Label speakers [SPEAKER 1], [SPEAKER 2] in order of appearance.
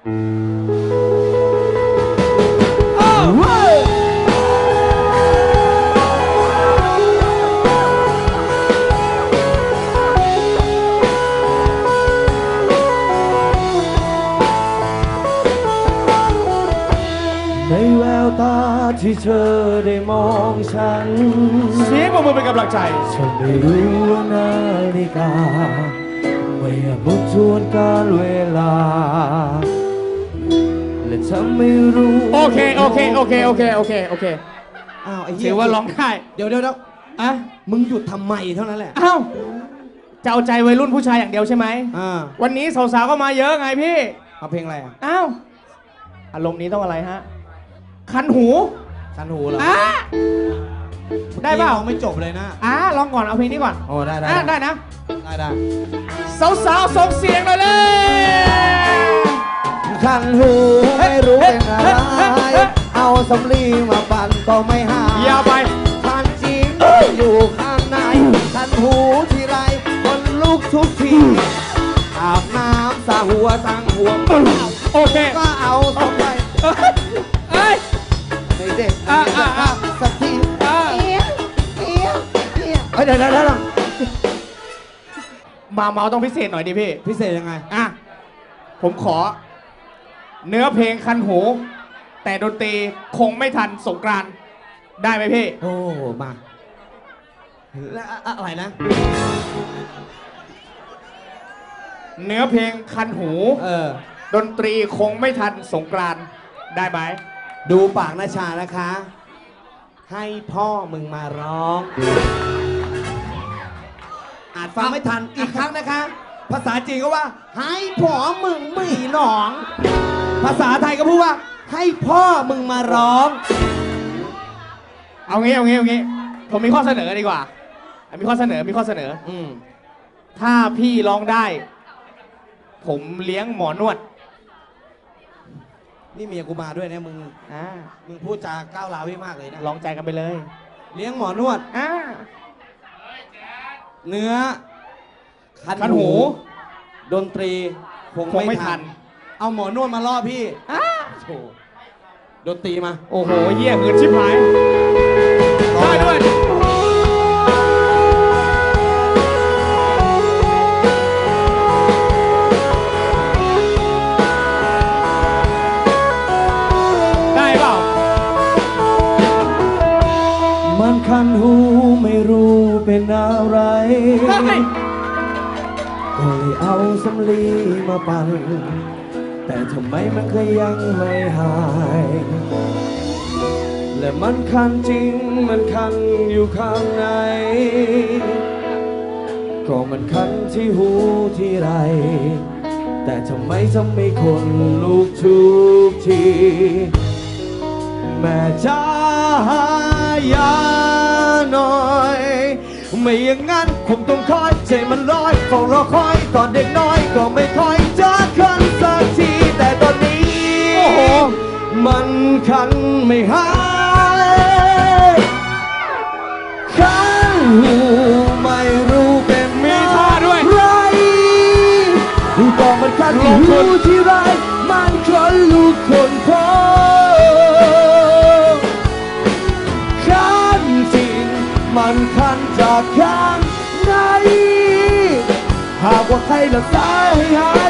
[SPEAKER 1] ในแววตาที่เธอได้มองฉัน
[SPEAKER 2] เสียงปรบมือเป็นกำลังใจ
[SPEAKER 1] ฉันไม่รู้ว่านาฬิกาไม่อาจบอกทวนการเวลาและฉันไม่รู้
[SPEAKER 2] โอเคอ้าวไอ้เหี้ยถือว่าร้องได้
[SPEAKER 1] เดี๋ยว
[SPEAKER 2] อะ
[SPEAKER 1] มึงหยุดทำไมเท่านั้นแหละ
[SPEAKER 2] อ้าวจะเอาใจวัยรุ่นผู้ชายอย่างเดียวใช่ไหมวันนี้สาวๆก็มาเยอะไงพี่
[SPEAKER 1] เอาเพลงอะไรอ่ะ
[SPEAKER 2] อ้าวอารมณ์นี้ต้องอะไรฮะคันหู
[SPEAKER 1] เหรอ
[SPEAKER 2] ได้เปล่า
[SPEAKER 1] ไม่จบเลยนะ
[SPEAKER 2] ลองก่อนเอาเพลงนี้ก่อน
[SPEAKER 1] โอ้ได้
[SPEAKER 2] นะ
[SPEAKER 1] ได้
[SPEAKER 2] สาวๆส่งเสียงเลย
[SPEAKER 1] คันหูไม่รู้เป็นอะไรเอาสำลีมาปั่นก็ไม่หาย
[SPEAKER 2] อย่าไป
[SPEAKER 1] คันจริงอยู่ข้างในคันหูทีไรคนลุกทุกทีอาบน้ำสาหัวตั้งหัว
[SPEAKER 2] โอเค
[SPEAKER 1] ก็เอาสบายในเด็กสักทีเดี๋ยว
[SPEAKER 2] มาเมาต้องพิเศษหน่อยดิพี่
[SPEAKER 1] พิเศษยังไง
[SPEAKER 2] ผมขอเนื้อเพลงคันหูแต่ดนตรีคงไม่ทันสงกรานต์ได้ไหมพี่
[SPEAKER 1] โอ้มาแล้วอะไรนะ
[SPEAKER 2] เนื้อเพลงคันหูดนตรีคงไม่ทันสงกรานต์ได้ไหม
[SPEAKER 1] ดูปากนาชานะคะให้พ่อมึงมาร้องอาจฟังไม่ทันอีกครั้งนะคะภาษาจีนก็ว่าให้พ่อมึงไม่ร้องภาษาไทยก็พูดว่าให้พ่อมึงมาร้อง
[SPEAKER 2] เอางี้ผมมีข้อเสนอดีกว่ามีข้อเสนอถ้าพี่ร้องได้ผมเลี้ยงหมอนวด
[SPEAKER 1] นี่เมียกูมาด้วยนะมึงพูดจาก้าวร้าวพี่มากเลยนะ
[SPEAKER 2] ลองใจกันไปเลย
[SPEAKER 1] เลี้ยงหมอนวดเนื้อ
[SPEAKER 2] คันหู
[SPEAKER 1] ดนตรีคงไม่ทันเอาหมอนวดมาล่อพี่โอ้ดนตรีมา
[SPEAKER 2] โอ้โหเยี่ยมเงินชิบหายได้ด้วย
[SPEAKER 1] คันหูไม่รู้เป็นอะไรก็เลยเอาสำลีมาปั่นแต่ทำไมมันก็ยังไม่หายและมันคันจริงมันคันอยู่ข้างในก็มันคันที่หูที่ไรแต่ทำไมคนลุกทุกทีแม่จ้าอย่าหน่อยไม่อย่างนั้นคงต้องคอยใจมันลอยเฝ้ารอคอยตอนเด็กน้อยก็ไม่คอยจะคันสักทีแต่ตอนนี้มันคันไม่หายคันหูไม่รู้เป็น
[SPEAKER 2] มีท่าด้วย
[SPEAKER 1] ไรก็มันคันที่หูที่ไรมันคนลูกคนพ่อมันคันจากข้างในหากว่าใครรักษาให้หาย